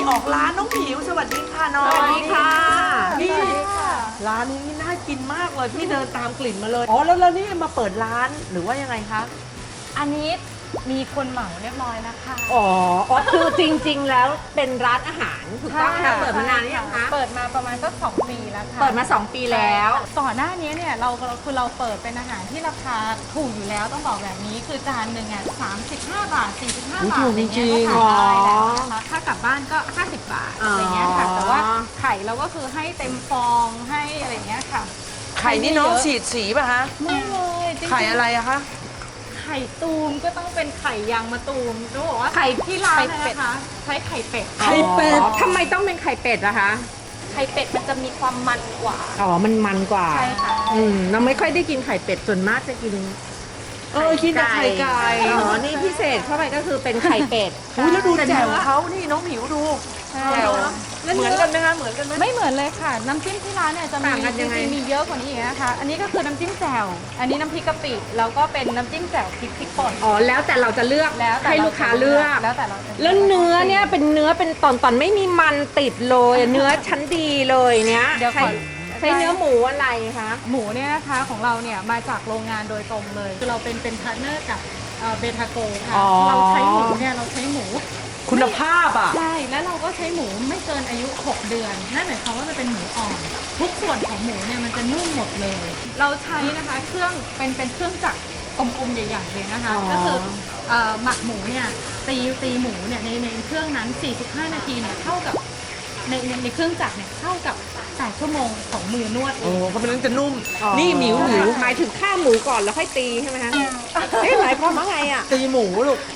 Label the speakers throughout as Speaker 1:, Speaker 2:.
Speaker 1: ออกร้านน้องผิวสวัสดีค่ะน้อง
Speaker 2: สวัสดีค่ะ
Speaker 1: นี่ร้านนี้น่ากินมากเลยพี่เดินตามกลิ่นมาเลยอ๋อแล้วนี่มาเปิดร้านหรือว่ายังไงคะ
Speaker 2: อันนี้มีคนเหมาเรียบร้อยแล้วค่ะ
Speaker 3: อ๋อคือจริงๆ แล้วเป็นร้านอาหารถูกต้องไหมคะเปิดมานานหรือยังคะ
Speaker 2: เปิดมาประมาณสัก2 ปีแล้วค่ะ
Speaker 3: เปิดมา2 ปีแล้ว
Speaker 2: ก่อนหน้านี้เนี่ยเราเปิดเป็นอาหารที่ราคาถูกอยู่แล้วต้องบอกแบบนี้คือจานหนึ่งอ่ะ35 บาท45 บาทอะไรเงี้ยก็ทานได้แล้วนะคะถ้ากลับบ้านก็50 บาทอะไรเงี้ยค่ะแต่ว่าไข่เราก็คือให้เต็มฟองให้อะไรเงี้ยค่ะ
Speaker 1: ไข่นี่น้องฉีดสีป่ะคะ
Speaker 2: ไม่เลยจริงๆ
Speaker 1: ไข่อะไรอะคะ
Speaker 2: ไข่ตูมก็ต้องเป็นไข่ยางมะตูมต้องบอกว่า
Speaker 3: ไข่
Speaker 2: ที่ร้านนะคะใช้ไข่เป็ด
Speaker 1: ไข่เป็ด
Speaker 3: อ๋อทำไมต้องเป็นไข่เป็ดล่ะคะ
Speaker 2: ไข่เป็ดมันจะมีความมันกว่า
Speaker 3: อ๋อ มันกว่า
Speaker 2: ใช่ค่ะ
Speaker 3: เราไม่ค่อยได้กินไข่เป็ดส่วนมากจะกิน
Speaker 1: กินแต่ไข่ไก่
Speaker 3: อ๋อ นี่พิเศษเข้าไปก็คือเป็นไข่เป็ด
Speaker 1: อุ้ยแล้วดูแจ่วเขานี่น้องผิวดูแจ่วเหมือนกันไหมคะเหมือนกันไหม
Speaker 2: ไม่เหมือนเลยค่ะ น้ำจิ้มที่ร้านเนี่ยจะมี
Speaker 3: ต่างกันยังไง
Speaker 2: จริงๆมีเยอะกว่านี้อีกนะคะ อันนี้ก็คือน้ำจิ้มแจ่วอันนี้น้ำพริกกะปิแล้วก็เป็นน้ำจิ้มแจ่วพริกป่น
Speaker 3: อ๋อ แล้วแต่เราจะเลือก
Speaker 2: แล้วแต่
Speaker 3: ให้ลูกค้าเลือก
Speaker 2: แล้วแต่เราจะ
Speaker 3: แล้วเนื้อเนี่ยเป็นเนื้อเป็นตอนไม่มีมันติดเลยเนื้อชั้นดีเลยเนี้ย
Speaker 2: เดี๋ยวขอ
Speaker 3: ใช้เนื้อหมูอะไรคะ
Speaker 2: หมูเนี่ยนะคะของเราเนี่ยมาจากโรงงานโดยตรงเลยคือเราเป็นพาร์ทเนอร์กับเบทาโกค่ะ
Speaker 3: อ๋อ
Speaker 2: เราใช้หมูเนี่ยเราใช้หมู
Speaker 1: คุณภาพอ่ะ
Speaker 2: ใช่แล้วเราก็ใช้หมูไม่เกินอายุ 6 เดือนนั่นหมายความว่ามันเป็นหมูอ่อนทุกส่วนของหมูเนี่ยมันจะนุ่มหมดเลย เราใช้นะคะเครื่องเป็นเครื่องจักรกลมๆใหญ่ๆเลยนะคะ ก็คือหมักหมูเนี่ยตีหมูเนี่ยในเครื่องนั้น 45 นาทีเนี่ยเท่ากับในเครื่องจักรเนี่ยเท่ากับ8 ชั่วโมงของมือนวดเอ
Speaker 1: โอ้
Speaker 2: ง
Speaker 1: เขาเป็นเรื่องจะนุ่ม นี่หมิว
Speaker 3: หมายถึงฆ่าหมูก่อนแล้วค่อยตีใช่ไหมคะหมายความว่าไงอ่ะ
Speaker 1: ตีหมูลูก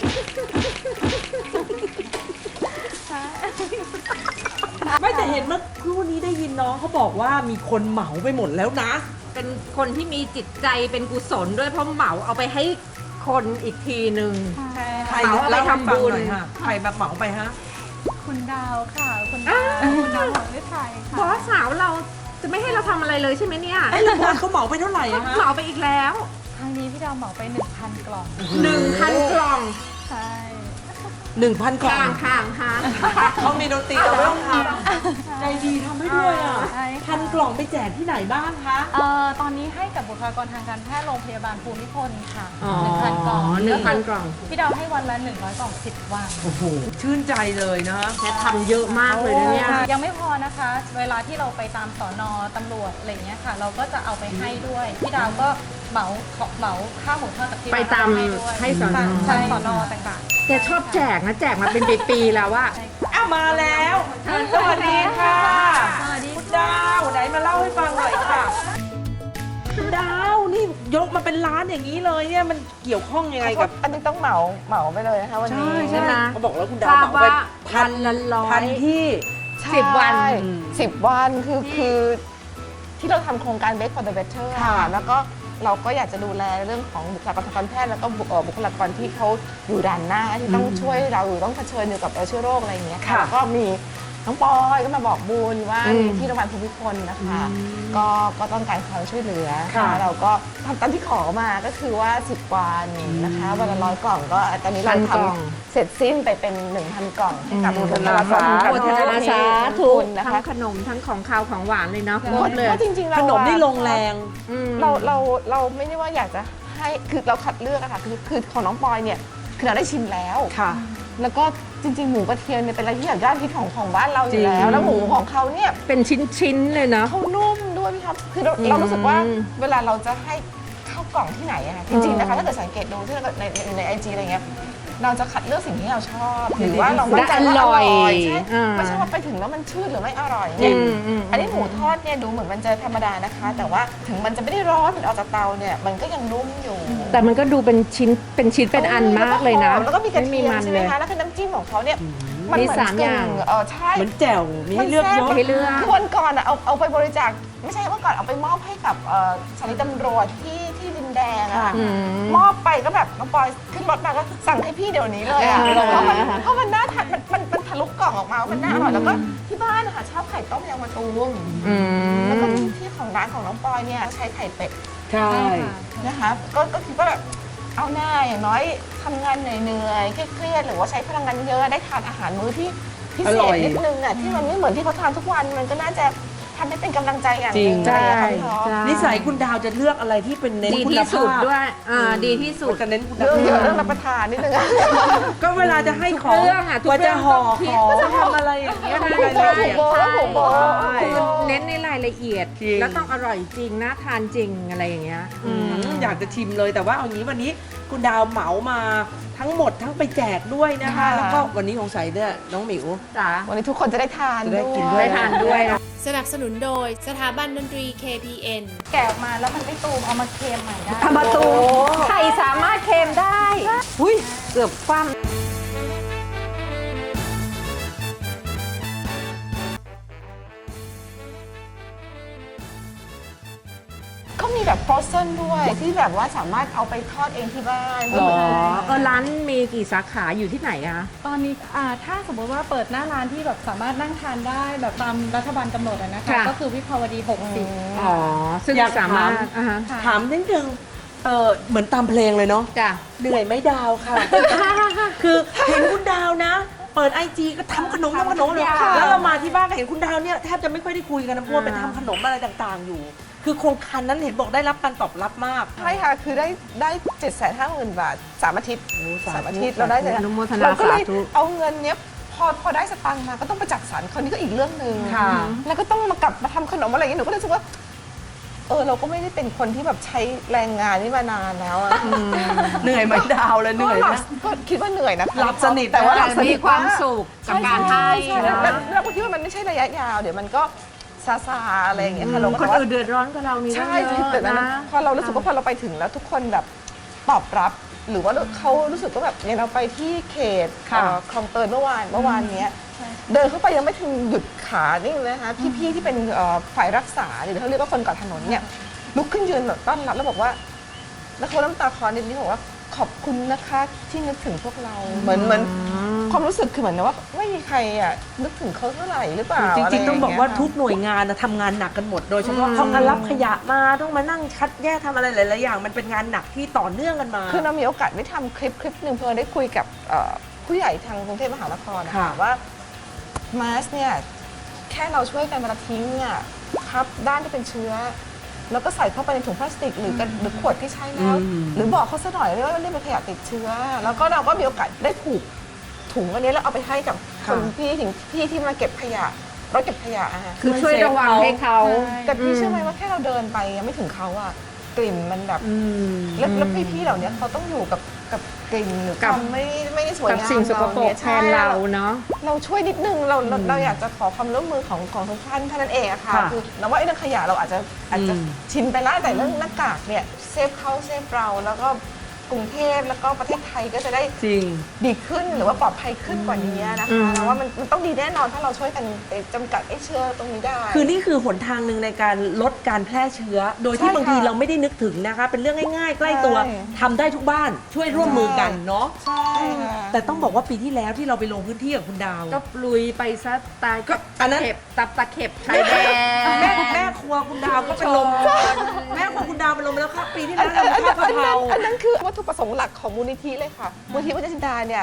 Speaker 1: ไม่แต่เห็นเมื่อครู่นี้ได้ยินน้องเขาบอกว่ามีคนเหมาไปหมดแล้วนะ
Speaker 3: เป็นคนที่มีจิตใจเป็นกุศลด้วยเพราะเหมาเอาไปให้คนอีกทีหนึ่ง
Speaker 2: ใช่
Speaker 1: ใคร
Speaker 3: เหมาเอาไปทำบุญ
Speaker 1: เล่าให้ฟังหน่อยค่ะใครแบบเหมาไปฮะ
Speaker 2: คุณดาวค่ะคุณดาวของฤทัยค่ะ
Speaker 3: บอสสาวเราจะไม่ให้เราทำอะไรเลยใช่ไหมเนี่ย
Speaker 1: ไอ้ละครเขาเหมาไปเท่าไหร่อะฮะ
Speaker 3: เหมาไปอีกแล้ว
Speaker 2: ครั้งนี้พี่ดาวเหมาไป 1,000 กล่อง
Speaker 3: 1,000 กล่อง
Speaker 2: ใช่
Speaker 1: 1,000 กล่อง
Speaker 3: ข้างค่ะ
Speaker 1: เขามีดนตรีเราไม่ต้องทำใจดีทำให้ด้วยอ่ะ
Speaker 2: ใช่ค่ะ
Speaker 1: 1,000 กล่องไปแจกที่ไหนบ้างคะ
Speaker 2: ตอนนี้ให้กับบุคลากรทางการแพทย์โรงพยาบาลภูมิพลค่ะ
Speaker 3: อ๋อ
Speaker 2: 1,000 กล่อง
Speaker 3: 1,000 กล่อง
Speaker 2: พี่ดาวให้วันละ100 กล่อง 10 วัน
Speaker 1: โอ้โห ชื่นใจเลยนะ
Speaker 3: แค่ทำเยอะมากเลยนะเนี่ย
Speaker 2: ยังไม่พอนะคะ เวลาที่เราไปตามสอนอตำรวจอะไรอย่างเงี้ยค่ะ เราก็จะเอาไปให้ด้วย พี่ดาวก็เหมาค่าหมูทอดจากที่ร้น
Speaker 3: ไปตาม
Speaker 2: ด้วย
Speaker 3: ให้สอนอ
Speaker 2: ใช่สอนอต่างๆ
Speaker 3: แกชอบแจกนะแจกมาเป็นปีๆแล้วว่า
Speaker 2: ใช่ค่ะ
Speaker 1: อ้าวมาแล้ว สวัสดีค่ะ
Speaker 2: สวัสดี
Speaker 1: คุณดาวไหนมาเล่าให้ฟังหน่อยค่ะคุณดาวนี่ยกมาเป็นร้านอย่างนี้เลยเนี่ยมันเกี่ยวข้องยังไงกับ
Speaker 4: อันนี้ต้องเหมาไปเลยนะคะวันนี้
Speaker 3: ใช่ไหม
Speaker 1: เขาบอกแล้วคุณดา
Speaker 3: ท
Speaker 1: ว
Speaker 3: ราบ
Speaker 1: เหมาไป
Speaker 3: ว่าพันละร้อ
Speaker 1: พั
Speaker 3: ย
Speaker 1: นที่
Speaker 3: 10 วัน
Speaker 4: 10 วันคือที่เราทำโครงการ Bake for the Better
Speaker 1: ค่ะ
Speaker 4: ค่ะแล้วก็เราก็อยากจะดูแลเรื่องของบุคลากรทางการแพทย์แล้วก็บุคลากรที่เขาอยู่ด่านหน้าที่ต้องช่วยเราอยู่ต้องเผชิญอยู่กับเชื้อโรคอะไรอย่างเงี้ยค่ะแล้วก็มีน้องปอยก็มาบอกบุญว่าที่โรงพยาบาลภูมิพลนะคะก็ต้องการความช่วยเหลือค่ะเราก็ทำตามที่ขอมาก็คือว่า 10 วันนะคะวันละ100 กล่องก็ตอนนี้เรา
Speaker 3: 1,000
Speaker 4: ท
Speaker 3: กล่อง
Speaker 4: ำเสร็จสิ้นไปเป็น 1,000 กล่องให้กับบุคลากร
Speaker 3: โมทนาสาธุ
Speaker 4: นะ
Speaker 3: ทั้
Speaker 4: คะ
Speaker 3: งขนมทั้งของคาวของหวานเลยเนาะครบเลย
Speaker 4: ก็จริงๆเรา
Speaker 1: ขนมนี่ลงแรง
Speaker 3: อืม
Speaker 4: เราไม่ได้ว่าอยากจะให้คือเราคัดเลือกอะค่ะคือของน้องปอยเนี่ยคือเราได้ชิมแล้ว
Speaker 1: ค่ะ
Speaker 4: แล้วก็จริงๆหมูกระเทียมเนี่ยเป็นอะไรที่อยากยอดฮิตของบ้านเราอ
Speaker 1: จริ
Speaker 4: ยู่
Speaker 1: ง
Speaker 4: แล้วแล้วหมูของเขาเนี่ย
Speaker 3: เป็นชิ้นๆเลยเนาะ
Speaker 4: เขานุ่มด้วยพี่ครับคือเรารู้สึกว่าเวลาเราจะให้ข้าวกล่องที่ไหนอะค่ะจริงๆนะคะถ้าเกิดสังเกตดูที่ในไอจีอะไรเงี้ยเราจะคัดเลือกสิ่งที่เราชอบหรือว่าเรามั่นใจว่าอร่อยใช่ไม่ใช่ว่าไปถึงแล้วมันชืดหรือไม่อร่อยเนี่ย อันนี้หมูทอดเนี่ยดูเหมือนมันจะธรรมดานะคะ แต่ว่าถึงมันจะไม่ได้ร้อนมันออกจากเตาเนี่ยมันก็ยังนุ่มอยู่
Speaker 3: แต่มันก็ดูเป็นชิ้นเป็นอันมากเลยนะ
Speaker 4: แล้วก็มีกระเทียม
Speaker 3: มัน
Speaker 4: ใช่ไห
Speaker 3: เล
Speaker 4: ม
Speaker 3: ย
Speaker 4: คะแล้วคือน้ำจิ้มของเขาเนี่ย
Speaker 3: มี
Speaker 4: เห
Speaker 3: สามอย่าง
Speaker 4: ใช่
Speaker 1: เหมือนแจ่วมีให้เลือกเยอะ
Speaker 4: มันแซ่บ
Speaker 3: ให้เลือก
Speaker 4: คือวันก่อนอะเอาไปบริจาคไม่ใช่เมื่อก่อนเอาไปมอบให้กับสถานีตำรวจที่ดินแดงอะค่ะ
Speaker 3: อืม
Speaker 4: มอบไปก็แบบน้องปอยขึ้นรถมาก็สั่งให้พี่เดี๋ยวนี้เลยอะ เพราะมันน่าทานมันทะลุกล่องออกมามันน่าอร่อยแล้วก็ที่บ้านนะคะชอบไข่ต้มยางมะตูม
Speaker 3: อื
Speaker 4: แล้วก็
Speaker 3: ม
Speaker 4: ที่ของร้านของน้องปอยเนี่ยใช้ไข่เป็ด
Speaker 1: ใช่
Speaker 4: นะคะก็คิดว่าแบบเอาหน้าอย่างน้อยทำงานเหนื่อยๆเครียดๆหรือว่าใช้พลังงานเยอะได้ทานอาหารมื้อที่พิ
Speaker 1: อ
Speaker 4: เศ
Speaker 1: ร่อ
Speaker 4: ษ
Speaker 1: ย
Speaker 4: นิดนึงอ่ะที่มันไม่เหมือนที่เขาทานทุกวันมันก็น่าจะทำให้เป็นกำลังใจอย่างห
Speaker 1: จริ
Speaker 4: นึ่
Speaker 1: ง
Speaker 4: งอะไรอย่างเงี้ยค่ะพี่ท็อป
Speaker 3: ใช่
Speaker 1: นิสัยคุณดาวจะเลือกอะไรที่เป็นเน้น
Speaker 3: ดี
Speaker 1: คุณ
Speaker 3: ที่สุด
Speaker 1: ภาพ
Speaker 3: ด้วยดีที่สุด
Speaker 1: จะเน้นคุณ
Speaker 4: เรื่อง
Speaker 1: ภาพ
Speaker 4: เยอะเรื่องรับประทานนิดนึงอะ
Speaker 1: ก็เวลาจะให้ของ
Speaker 3: ทุกเรื่องอะทุก
Speaker 1: ว่า
Speaker 3: เรื่
Speaker 1: จะ
Speaker 3: อง
Speaker 1: ห่อ
Speaker 3: ต้องคิด
Speaker 1: ของจะทำอะไรอย่างเงี้ยในรายละเอียด
Speaker 4: ถูกโบถูกโบ
Speaker 1: ใช่
Speaker 3: คือเน้นในรายละเอียด
Speaker 1: จริง
Speaker 3: แล้วต้องอร่อยจริงน่าทานจริงอะไรอย่างเงี้ย
Speaker 1: อยากจะชิมเลยแต่ว่าเอางี้วันนี้คุณดาวเหมามาทั้งหมดทั้งไปแจกด้วยนะคะ
Speaker 4: ค่ะ
Speaker 1: แล้วก็วันนี้สงสัยเนี่ยน้องหมิว
Speaker 3: จ้า
Speaker 4: วันนี้ทุกคนจะได้ทาน
Speaker 1: จะได้กิน
Speaker 4: ด้วย
Speaker 3: ได้ทานด้วยนะ
Speaker 5: สนับสนุนโดยสถาบันดนตรี KPN
Speaker 2: แกะออกมาแล้วมันไม่ตูมเอามาเค็มใหม่ได้
Speaker 3: ทำประตูไข่สามารถเค็มได้อุ้ยเกือบคว่
Speaker 4: ก็มีแบบฟรอสเซนด้วยที่แบบว่าสามารถเอาไปทอดเองที่บ้าน
Speaker 3: ำร้านมีกี่สาขาอยู่ที่ไหนอะ
Speaker 2: ตอนนี้ถ้าสมมติว่าเปิดหน้าร้านที่แบบสามารถนั่งทานได้แบบตามรัฐบาลกำหนดอะนะคะ
Speaker 3: ค่ะ
Speaker 2: ก็คือวิภาวดี 60
Speaker 3: อ๋อซึ่ง
Speaker 1: อยาก
Speaker 3: สามารถ
Speaker 1: ถาม
Speaker 3: อ่าฮะ
Speaker 1: ถามนิดนึงเหมือนตามเพลงเลยเนาะ
Speaker 3: จ้ะ
Speaker 1: เหนื่อยไหมดาวค่ะ คือเห็นคุณดาวนะ เปิดไอจีก็ทำขนมเลย
Speaker 3: ค่ะ
Speaker 1: แล้วเรามาที่บ้านก็เห็นคุณดาวเนี่ยแทบจะไม่ค่อยได้คุยกันนะเพราะว่าไปทำขนมอะไรต่างๆอยู่ คือโครงการนั้นเห็นบอกได้รับการตอบรับมาก
Speaker 4: ใช่ค่ะคือได้750,000 บาท3 อาทิตย์
Speaker 1: สาธุ
Speaker 4: 3 อาทิตย์เราได้
Speaker 3: อนุโมทนา
Speaker 4: เราก็เลย
Speaker 3: สาธุ
Speaker 4: เอาเงินเนี้ยพอได้สตังค์มาก็ต้องไปจัดสรรคราวนี้ก็อีกเรื่องหนึ่ง
Speaker 1: ค่ะ
Speaker 4: แล้วก็ต้องมากลับมาทำขนมอะไรอย่างเงี้ยหนูก็เลยรู้สึกว่าเราก็ไม่ได้เป็นคนที่แบบใช้แรงงานนี่มานานแล้วอะ
Speaker 1: เหนื่อยไหมดาวเลยเหนื่อย
Speaker 4: ก็หลั
Speaker 1: นะ
Speaker 4: บก็คิดว่าเหนื่อยนะคะ
Speaker 1: หลับสนิท
Speaker 4: แต่ว่าหลับสนิ
Speaker 3: มี
Speaker 4: ท
Speaker 3: ความสุขกับการให้
Speaker 4: ใช่
Speaker 3: นะ
Speaker 4: แล้วก็คิดว่ามันไม่ใช่ระยะยาวเดี๋ยวมันก็ซาซาๆอะไรอย่างเงี้ยค่ะเราก็
Speaker 3: คน
Speaker 4: แต่ว่า
Speaker 3: อื่นเดือดร้อนกับเรานี่
Speaker 4: ใช่
Speaker 3: เยอะ
Speaker 4: แต่นั้น
Speaker 3: นะ
Speaker 4: พอเรารู้สึกว่าพอเราไปถึงแล้วทุกคนแบบตอบรับ หรือว่าเขารู้สึกว่าแบบอย่างเราไปที่เขต
Speaker 1: ค่ะ
Speaker 4: คลองเตยเมื่อวานเนี้ยเดินเข้าไปยังไม่ถึงหยุดขานี่เลยนะคะพี่ๆที่เป็นฝ่ายรักษาหรือเขาเรียกว่าคนก่อถนนเนี่ยลุกขึ้นยืนแบบต้อนรับแล้วบอกว่า แล้วเขาน้ำตาคลอนิดนี้บอกว่าขอบคุณนะคะที่นึกถึงพวกเราเหมือนความรู้สึกคือเหมือนว่าไม่มีใครอ่ะนึกถึงเขาเท่าไหร่หรือเปล่า
Speaker 1: จริงๆต้องบอกว่า
Speaker 4: ะไรย่
Speaker 1: ทุ
Speaker 4: ย
Speaker 1: กหน่วยงานนะทำงานหนักกันหมดโดยเฉพาะเขามารับขยะมาต้องมานั่งคัดแยกทำอะไรหลายๆอย่างมันเป็นงานหนักที่ต่อเนื่องกันมา
Speaker 4: คือเรามีโอกาสได้ทำคลิปหนึ่งเพื่อได้คุยกับผู้ใหญ่ทางกรุงเทพมหานครนะ
Speaker 1: ค่ะ
Speaker 4: คะว่ามาสเนี่ยแค่เราช่วยกันเวลาทิ้งเนี่ยครับด้านที่เป็นเชื้อ แล้วก็ใส่เข้าไปในถุงพลาสติกหรือขวดที่ใช้แล้ว หรือบอกเขาซะหน่อยว่านี่เป็นขยะติดเชื้อ แล้วก็เราก็มีโอกาสได้ผูกถุงอันนี้แล้วเอาไปให้กับคนพี่ที่มาเก็บขยะรถเก็บขยะอะค่ะ
Speaker 3: คือช่วยระวังให้เขา
Speaker 4: แต่พี่เชื่อไหมว่าแค่เราเดินไปยังไม่ถึงเขาอะกลิ่นมันแบบแล้วพี่ๆเหล่านี้เขาต้องอยู่กับกลิ่นหรือ
Speaker 3: กับ
Speaker 4: ความไม่ได้สวย
Speaker 3: กับ
Speaker 4: งาม
Speaker 3: สิ่งสกปรก
Speaker 4: เย
Speaker 3: แทนเราเนาะ
Speaker 4: เราช่วยนิดนึงเราอยากจะขอความร่วมมือของทุกท่านเท่านั้นเองอะค่ะ
Speaker 1: ค่ะ
Speaker 4: คือเราว่าไอ้เรื่องขยะเราอาจจะชินไปแล้วแต่เรื่องหน้ากากเนี่ยเซฟเขาเซฟเราแล้วก็กรุงเทพแล้วก็ประเทศไทยก็จะได้
Speaker 1: จริง
Speaker 4: ดีขึ้นหรือว่าปลอดภัยขึ้นกว่านี้นะคะแล้วว่ามันต้องดีแน่นอนถ้าเราช่วยกันจำกัดไอ้เชื้อตรงนี้ได้
Speaker 1: คือนี่คือหนทางหนึ่งในการลดการแพร่เชื้อ โดยที่
Speaker 4: ใช่ค่ะ
Speaker 1: บางทีเราไม่ได้นึกถึงนะคะ เป็นเรื่องง่ายๆ ใกล้ตัว
Speaker 4: ใช่
Speaker 1: ทำได้ทุกบ้านช่วยร่วมมือกันเนาะ
Speaker 4: ใช่ค่ะ
Speaker 1: แต่ต้องบอกว่าปีที่แล้วที่เราไปลงพื้นที่กับคุณดาว
Speaker 3: ก็ลุยไปซะตาย
Speaker 1: ก็อันนั้น
Speaker 3: เข็บตับตะเข็บชายแดน
Speaker 1: แม่ครัวคุณดาวก็เป็นลมแม่ครัวคุณดาวเป็นลมแล้วครับปีที่แล้วเราทำข้าวกะเพรา
Speaker 4: อันนั้นคือวัตถุประสงค์หลักของมูลนิธิเลยค่ะ มูลนิธิวัชจินดาเนี่ย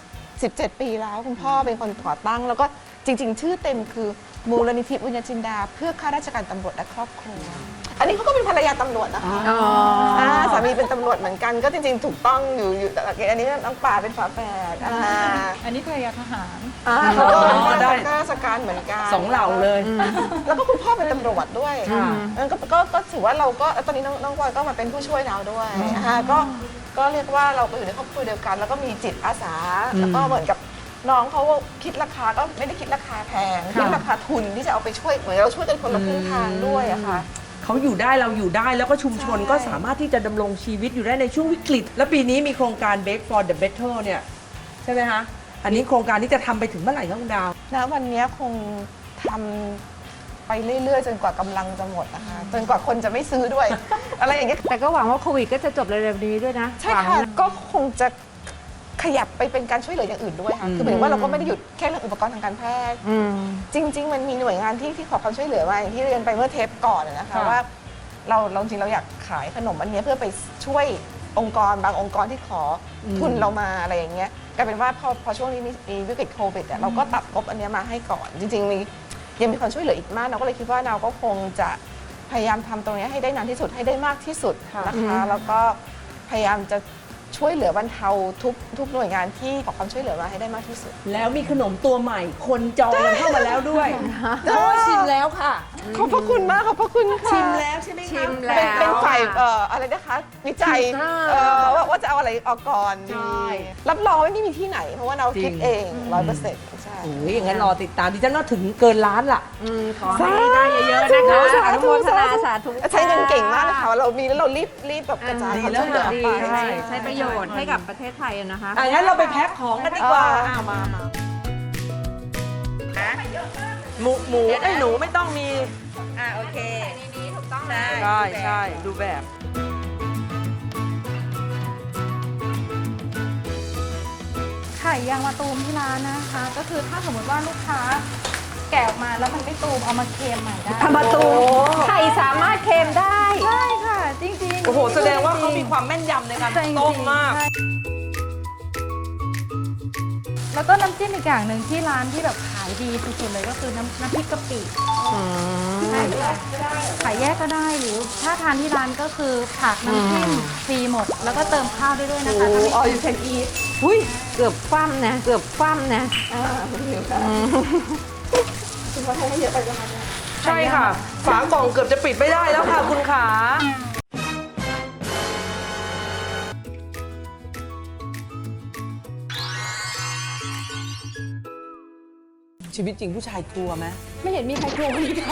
Speaker 4: 17 ปีแล้วคุณพ่อเป็นคนก่อตั้ง แล้วก็จริง ๆ ชื่อเต็มคือมูลนิธิบุญญจินดา เพื่อข้าราชการตำรวจและครอบครัว อันนี้เขาก็เป็นภรรยาตำรวจนะคะ
Speaker 3: อ๋อ
Speaker 4: สามีเป็นตำรวจเหมือนกัน ก็จริง ๆ ถูกต้องอยู่แต่อันนี้น้องป่าเป็นฝาแฝด
Speaker 2: อันนี้ภรรยาทหาร
Speaker 4: เขาก็เป็น
Speaker 1: ได้
Speaker 4: ข้าราชการเหมือนกัน
Speaker 1: สองเหล่าเลย
Speaker 4: แล้วก็คุณพ่อเป็นตำรวจด้วย
Speaker 1: ค่ะ
Speaker 4: งั้นก็ถือว่าเราก็ตอนนี้น้องบอยก็มาเป็นผู้ช่วยเราด้วยนะคะก็เรียกว่าเราก็อยู่ในครอบครัวเดียวกัน แล้วก็มีจิตอาสา แล้วก็เหมือนกับน้องเขาคิดราคาก็ไม่ได้คิดราคาแพงคิดราคาทุนที่จะเอาไปช่วยเหมือนเราช่วยกันคนละครึ่งทางด้วยอะค่ะ
Speaker 1: เขาอยู่ได้เราอยู่ได้แล้วก็ชุมชน
Speaker 4: ใช่
Speaker 1: ก็สามารถที่จะดำรงชีวิตอยู่ได้ในช่วงวิกฤต และปีนี้มีโครงการ Bake for the Better เนี่ยใช่ไหมคะอันนี้โครงการนี้จะทำไปถึงเมื่อไหร่คะคุณดาว
Speaker 4: ณวันนี้คงทำไปเรื่อยๆ จนกว่ากำลังจะหมดนะคะจนกว่าคนจะไม่ซื้อด้วย อะไรอย่างเงี้ย
Speaker 3: แต่ก็หวังว่าโควิดก็จะจบเร็วๆนี้ด้วยนะ
Speaker 4: ใช่
Speaker 3: หวัง
Speaker 4: ค่ะ
Speaker 3: นะ
Speaker 4: ก็คงจะขยับไปเป็นการช่วยเหลืออย่างอื่นด้วยค่ะคือหมายถึงว่าเราก็ไม่ได้หยุดแค่เรื่องอุปกรณ์ทางการแพทย์
Speaker 3: อืม
Speaker 4: จริง ๆ มันมีหน่วยงานที่ขอความช่วยเหลือมาอย่างที่เรียนไปเมื่อเทปก่อนนะคะ
Speaker 1: ค่ะ
Speaker 4: ว่าเราจริงเราอยากขายขนมอันเนี้ยเพื่อไปช่วยองค์กรบางองค์กรที่ขอทุนเรามาอะไรอย่างเงี้ยกลายเป็นว่าพอช่วงนี้มีวิกฤตโควิดเราก็ตัดงบอันเนี้ยมาให้ก่อนจริงๆยังมีคนช่วยเหลืออีกมากเราก็เลยคิดว่าเราก็คงจะพยายามทำตรงนี้ให้ได้นานที่สุดให้ได้มากที่สุดนะคะแล้วก็พยายามจะช่วยเหลือบรรเทาทุกหน่วยงานที่ขอความช่วยเหลือมาให้ได้มากที่สุด
Speaker 1: แล้วมีขนมตัวใหม่คนจองกันเข้ามาแล้วด้วยโอ้ชิมแล้วค่ะ
Speaker 4: ขอบพระคุณมากขอบพระคุณค่ะ
Speaker 1: ชิมแล้วใช่ไหมคะ
Speaker 3: ชิมแล้ว
Speaker 4: เป็นฝ่ายอะไรนะคะวิจัยว่าจะเอาอะไรออกก่อน
Speaker 1: ใช่
Speaker 4: รับรองว่าไม่มีที่ไหน เพราะว่าเราคิดเอง100%ใช่
Speaker 1: โอ้ยอย่างนั้นรอติดตามดิฉันว่าถึงเกินล้านล่ะ
Speaker 3: ขอให้ได้เยอะๆนะคะอนุโมทนาสาธุ
Speaker 4: ใช้เงินเก่งมากนะคะเรามีแล้วเรารีบแบบกระจาย
Speaker 1: ดี
Speaker 4: ความ
Speaker 1: แล้ว
Speaker 4: ช่วยเหลือ
Speaker 3: ดี
Speaker 4: ไป
Speaker 3: ใช้ประโยชน์ให้กับประเทศไทยอะนะคะ
Speaker 1: งั้นเราไปแพ็คของกันดีกว่า
Speaker 4: มา
Speaker 1: หมูไอ้หนูไม่ต้องมี
Speaker 3: โอเคนี่ถูกต้องนะ
Speaker 1: ใช่ดูแบบ
Speaker 2: ไข่ยางมะตูมที่ร้านนะคะ ก็คือถ้าสมมติว่าลูกค้าแกะออกมาแล้วมันไม่ตูมเอามาเค็มใหม่ได้
Speaker 1: ทำมาตูม
Speaker 3: ไข่สามารถเค็มได้
Speaker 2: ใช่ค่ะ จริงๆ
Speaker 1: โอ้โหแสดงว่าเขามีความแม่นยำในการ
Speaker 2: จริงๆ
Speaker 1: ต้มมาก
Speaker 2: ใช่แล้วก็น้ำจิ้มอีกอย่างหนึ่งที่ร้านที่แบบขายดีสุดๆเลยก็คือน้ำพริกกะปิใช่ค่ะขายแยกก็ได้หรือถ้าทานที่ร้านก็คือผักน้ำจิ้มฟรีหมด แล้วก็เติมข้าวได้ด้วยนะคะ
Speaker 4: all you can eat
Speaker 3: อุ้ยเกือบคว่ำนะเกือบคว่ำนะ
Speaker 4: คุณพ่อให้เยอะไปแล้วค่ะ
Speaker 1: ใช่ค่ะ ฝากล่องเกือบจะปิดไม่ได้แล้วค่ะคุณขาชีวิตจริงผู้ชายกลัวไหม
Speaker 2: ไม่เห็นมีใครกลัวเลยค่ะ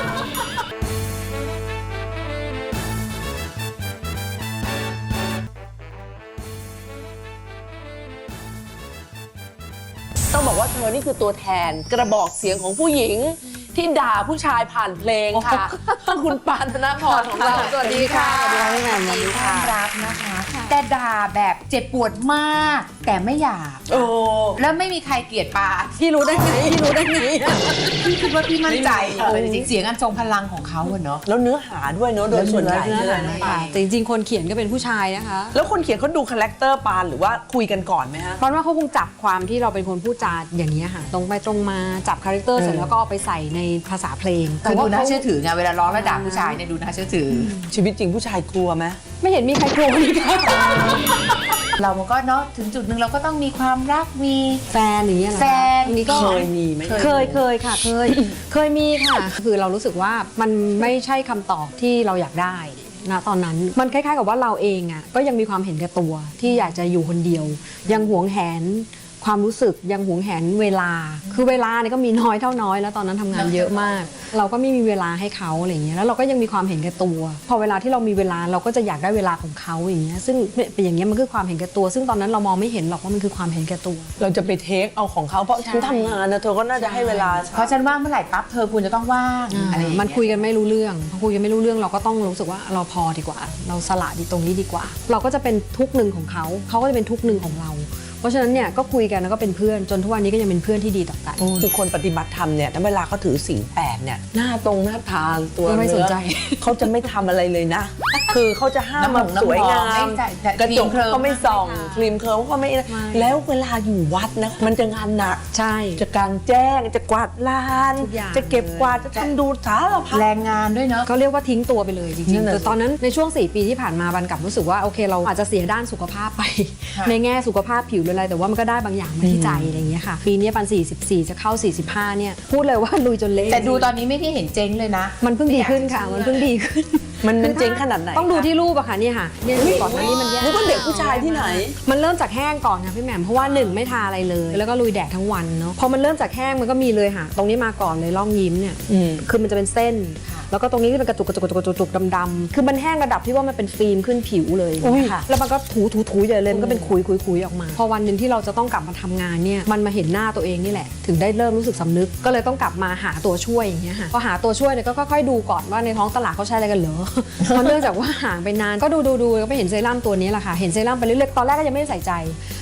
Speaker 6: ต้องบอกว่าเธอนี่คือตัวแทนกระบอกเสียงของผู้หญิงที่ด่าผู้ชายผ่านเพลงค่ะ คุณปานธนพรของเราสวัสดีค่ะ
Speaker 7: ความรักนะคะ แต่ด่าแบบเจ็บปวดมาก แต่ไม่หยาบ
Speaker 1: โอ้
Speaker 7: แล้วไม่มีใครเกลียดปา
Speaker 1: พี่รู้ได้ไงพี่รู้ได้ไง
Speaker 7: พี่คิดว่าพี่มั่นใจจริงๆเสียงอันทรงพลังของเขาอะเนาะ
Speaker 1: แล้วเนื้อหาด้วยเนอะโดยส่วนใหญ่
Speaker 7: เนื้อหา
Speaker 1: เลย
Speaker 7: ค่ะ
Speaker 8: แต่จริงๆ คนเขียนก็เป็นผู้ชายนะคะ
Speaker 1: แล้วคนเขียนเขาดูคาแรคเตอร์ปานหรือว่าคุยกันก่อนไหมฮะ
Speaker 8: เพราะว่าเขาคงจับความที่เราเป็นคนพูดจาอย่างนี้ยค่ะตรงไปตรงมาจับคาแรคเตอร์เสร็จแล้วก็เอาไปใส่ในภาษาเพลง
Speaker 7: คือดูน่าเชื่อถือไงเวลาร้องแล้วด่าผู้ชายเนี่ยดูน่าเชื่อถือ
Speaker 1: ชีวิตจริงผู้ชายกลัวไหม
Speaker 8: ไม่เห็นมีใครกลัวเลยค่ะ
Speaker 7: เรามันก็เนาะถึงจุดหนึ่งเราก็ต้องมีความรักมี
Speaker 8: แฟนอย่างเงี้ยเหรอคะ
Speaker 7: แฟน
Speaker 8: อันนี้ก็
Speaker 1: เคยมีไหม
Speaker 8: เคยค่ะเคยมีค่ะ คือเรารู้สึกว่ามันไม่ใช่คำตอบที่เราอยากได้นะตอนนั้นมันคล้ายๆกับว่าเราเองอ่ะก็ยังมีความเห็นแก่ตัวที่อยากจะอยู่คนเดียว ยังหวงแหนความรู้สึกยังหวงแหนเวลา คือเวลาเนี่ยก็มีน้อยเท่าน้อยแล้วตอนนั้นทำงานเยอะมาก เราก็ไม่มีเวลาให้เขาอะไรอย่างเงี้ยแล้วเราก็ยังมีความเห็นแก่ตัว พอเวลาที่เรามีเวลาเราก็จะอยากได้เวลาของเขาอย่างเงี้ยซึ่งเป็นอย่างเงี้ยมันคือความเห็นแก่ตัว ซึ่งตอนนั้นเรามองไม่เห็นหรอกว่ามันคือความเห็นแก่ตัว
Speaker 1: เราจะไปเทคเอาของเขาเพราะฉันทำงานนะเธอก็น่าจะให้เวลา
Speaker 7: เพราะฉันว่างเมื่อไหร่ปั๊บเธอควรจะต้องว่างอะไรอย่างเงี้ย
Speaker 8: มันคุยกันไม่รู้เรื่องพอคุยกันไม่รู้เรื่องเราก็ต้องรู้สึกว่าเราพอดีกว่า เราสละดีตรงนี้ดีกว่า เราก็จะเป็นทุกข์หนึ่งของเขาเขาก็จะเป็นทุกข์หนึ่งของเรา เพราะฉะนั้นเนี่ยก็คุยกันแล้วก็เป็นเพื่อนจนทุกวันนี้ก็ยังเป็นเพื่อนที่ดีต่อกัน
Speaker 1: คือคนปฏิบัติธรรมเนี่ยถ้าเวลาเขาถือศีล8เนี่ยหน้าตรงหน้าทางตัว
Speaker 8: ไม่สนใจ
Speaker 1: เนื้อเขาจะไม่ทำอะไรเลยนะ คือเขาจะห้ามแบบสวยงามกระจกก็ไม่ส่องครีมเคิร์มก็ไม่แล้วเวลาอยู่วัดนะมันจะงานหนัก
Speaker 8: ใช่
Speaker 1: จะกางแจ้งจะกวาดลาน
Speaker 8: ทุกอย่าง
Speaker 1: จะเก็บกวาดจะทำดูสารพัด
Speaker 7: แรงงานด้วยเนาะ
Speaker 8: ก็เรียกว่าทิ้งตัวไปเลยจริ
Speaker 1: นั่
Speaker 8: ง
Speaker 1: น
Speaker 8: ๆ
Speaker 1: น่ะ
Speaker 8: แต่ตอนนั้นในช่วง4 ปีที่ผ่านมาบันกลับรู้สึกว่าโอเคเราอาจจะเสียด้านสุขภาพไป
Speaker 7: ค่ะ
Speaker 8: ในแง่สุขภาพผิวหรืออะไรแต่ว่ามันก็ได้บางอย่างมาที่ใจอะไรอย่างเงี้ยค่ะปีนี้ปัน44จะเข้า45เนี่ยพูดเลยว่าลุยจนเละ
Speaker 7: แต่ดูตอนนี้ไม่ได้เห็นเจ๊งเลยนะ
Speaker 8: มันเพิ่งดีขึ้นค่ะมันเพิ่งดีขึ้น
Speaker 1: มันเจ๊งขนาดไหน
Speaker 8: ต้องดูที่รูปอะค่ะเนี่ยค่ะเนี่ยก่อนหน้านี้มันแย่
Speaker 1: นึกว่าเด็กผู้ชายที่ไหน
Speaker 8: มันเริ่มจากแห้งก่อนค่ะพี่แหม่มเพราะว่า1ไม่ทาอะไรเลย แล้วก็ลุยแดดทั้งวันเนาะพอมันเริ่มจากแห้งมันก็มีเลยค่ะ ตรงนี้มาก่อนเลยร่องยิ้มเนี่ย คือมันจะเป็นเส้น แล้วก็ตรงนี้ก็เป็นกระจุกดำๆคือมันแห้งระดับที่ว่ามันเป็นฟิล์มขึ้นผิวเลยค่ะแล้วมันก็ถูใหญ่เลยมันก็เป็นคุยออกมา พอวันหนึ่งที่เราจะต้องกลับมาทำงานเนี่ยมันมาเห็นหน้าตัวเองนี่แหละถึงได้เริ่มรู้สึกสำนึกก็เลยต้องกลับมาหาตัวช่วยอย่างเงี้ยค่ะพอหาตัวช่วยเนี่ยก็ค่อยๆดูก่อนว่าในท้องตลาดเขาใช้อะไรกันเหรอ เพราะเนื่องจากว่าห่างไปนานก็ดูแล้วก็ไปเห็นเซรั่มตัวนี้แหละค่ะเห็นเซรั่มไปเรื่อยๆตอนแรกก็ยังไม่ได้ใส่ใจ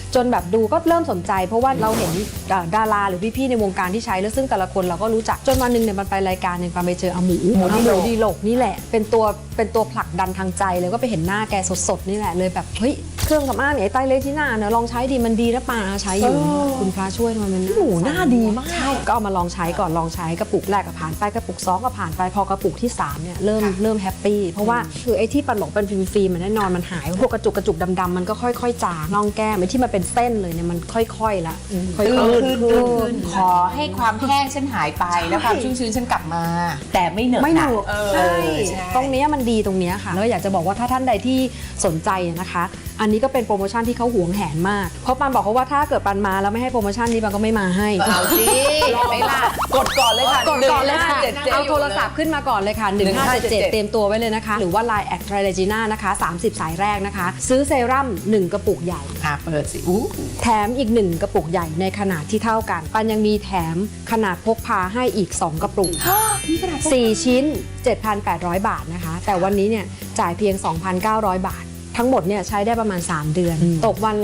Speaker 8: จนแบบดูก็เริ่มสนใจ เพราะว่าเราเห็นดาราหรือพี่ๆในวงการที่ใช้แล้วซึ่งแต่ละคนเราก็รู้จักจนวันหนึ่งเนี่ยมันไปรายการหนึ่งไปเจออาหมูดีโลกนี่แหละเป็นตัวผลักดันทางใจเลยก็ไปเห็นหน้าแกสดๆนี่แหละเลยแบบเฮ้ยเครื่องสำอางเนี่ยไอ้ไตรเลจิน่าเนี่ยลองใช้ดีมันดีนะป่าใช้อยู่คุณพระช่วยทำไมมัน
Speaker 1: หมูหน้าดีมาก
Speaker 8: ใช่ก็เอามาลองใช้ก่อนลองใช้กระปุกแรกก็ผ่านไปกระปุก2ก็ผ่านไปพอกระปุกที่3เนี่ยเริ่มแฮปปี้เพราะว่าคือไอ้ที่ปันหลงเป็นฟิล์มมันแน่นอนมันหายพวกกระจุกดำๆมันก็ค่อยๆจางน่องแก้มไอ้ที่มันเป็นเส้นเลยเนี่ยมันค่อยๆละค่อยๆขึ้น
Speaker 7: ขอให้ความแห้งฉันหายไปแล้วความชุ่มชื้นฉันกลับมา แต่ไม่เหนอะ
Speaker 8: ไม่หนุก
Speaker 7: ใช่
Speaker 8: ใช่ตรงเนี้ยมันดีตรงเนี้ยค่ะแล้วอยากจะบอกว่าถ้าท่านใดที่สนใจนะคะ อันนี้ก็เป็นโปรโมชั่นที่เขาหวงแหนมากเพราะปันบอกเขาว่าถ้าเกิดปันมาแล้วไม่ให้โปรโมชั่นนี้ปันก็ไม่มาให้
Speaker 7: เอาสิไม่ล่ะ
Speaker 1: กดก่อนเลยค่ะ
Speaker 8: กดก่อนเลยค่ะ
Speaker 1: 1577
Speaker 8: เอาโทรศัพท์ขึ้นมาก่อนเลยค่ะ 1577 เตรียมตัวไว้เลยนะคะ หรือว่า Line แอดไทรเลจิน่านะคะ 30 สายแรกนะคะ ซื้อเซรั่ม1 กระปุกใหญ่
Speaker 7: เปิดสิ
Speaker 8: แถมอีก 1 กระปุกใหญ่ในขนาดที่เท่ากัน ปันยังมีแถมขนาดพกพาให้อีก 2 กระปุก 4 ชิ้น 7,800 บาทนะคะ แต่วันนี้เนี่ยจ่ายเพียง 2,900 บาท ทั้งหมดเนี่ยใช้ได้ประมาณ 3 เดือน ตกวันละ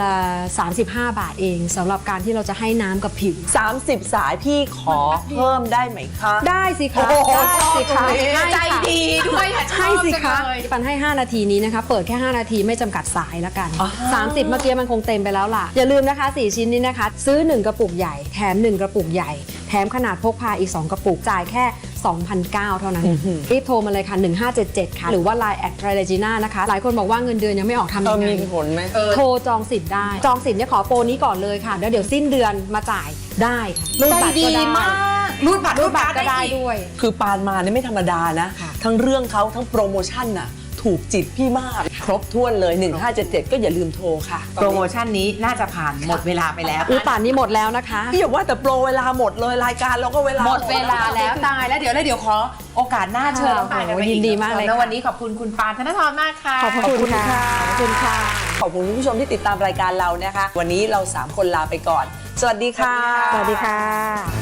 Speaker 8: 35 บาทเองสำหรับการที่เราจะให้น้ำกับผิว
Speaker 1: 30 สายพี่ขอเพิ่มได้ไหมคะ
Speaker 8: ได้สิคะ
Speaker 1: โอ้โห
Speaker 8: ได้สิคะ
Speaker 7: ใจดีด้วยค่ะ
Speaker 8: ให้สิคะ
Speaker 7: ชอบจังเลย
Speaker 8: ปันให้ 5 นาทีนี้นะคะ เปิดแค่ 5 นาทีไม่จำกัดสายแล้วกัน 30 เมื่อกี้มันคงเต็มไปแล้วล่ะ อย่าลืมนะคะ 4 ชิ้นนี้นะคะ ซื้อ 1 กระปุกใหญ่ แถม 1 กระปุกใหญ่ แถมขนาดพกพาอีก 2 กระปุก จ่ายแค่ 2,900 เท่านั้น รีบโทรมาเลยค่ะ 1577 ค่ะ หรือว่า Line แอดไทรเลจิน่านะคะ หลายคนบอกว่าเงินเดือนยังไม่ออกทำยังไง
Speaker 1: มีผลไหม
Speaker 8: โทรจองสิทธิ์ได้ จองสิทธิ์เนี่ยขอโปรนี้ก่อนเลยค่ะแล้วเดี๋ยวสิ้นเดือนมาจ่ายได้ค่ะรูดบัตรก็ได้
Speaker 7: รูดบัตร
Speaker 8: รูดบัตรก็ได้
Speaker 7: อี
Speaker 8: ด้วย
Speaker 1: คือปานมาเนี่ยไม่ธรรมดานะ
Speaker 8: ค่ะ
Speaker 1: ทั้งเรื่องเขาทั้งโปรโมชั่นน่ะถูกจิตพี่มาก ครบถ้วนเลย 1577 ก็อย่าลืมโทรค่ะ
Speaker 7: โปรโมชั่นนี้น่าจะผ่านหมดเวลาไปแล้ว
Speaker 8: ป่านนี้หมดแล้วนะคะ
Speaker 1: พี่อย่าว่าแต่โปรเวลาหมดเลยรายการเราก็เวลา
Speaker 7: หมดเวลาแล้วตายแล้วเดี๋ยวขอโอกาสหน้าเชิญน้องปานกันไป
Speaker 8: ยินดีมากเลย
Speaker 7: แล้ว
Speaker 8: ค่ะ
Speaker 7: วันนี้ขอบคุณคุณปานธนทรมากค่ะ
Speaker 8: ขอบคุณค่ะขอบคุณค่ะ
Speaker 1: ขอบคุณคุณผู้ชมที่ติดตามรายการเรานะคะ วันนี้เรา 3 คนลาไปก่อน สวัสดีค่ะ
Speaker 8: สวัสดีค่ะ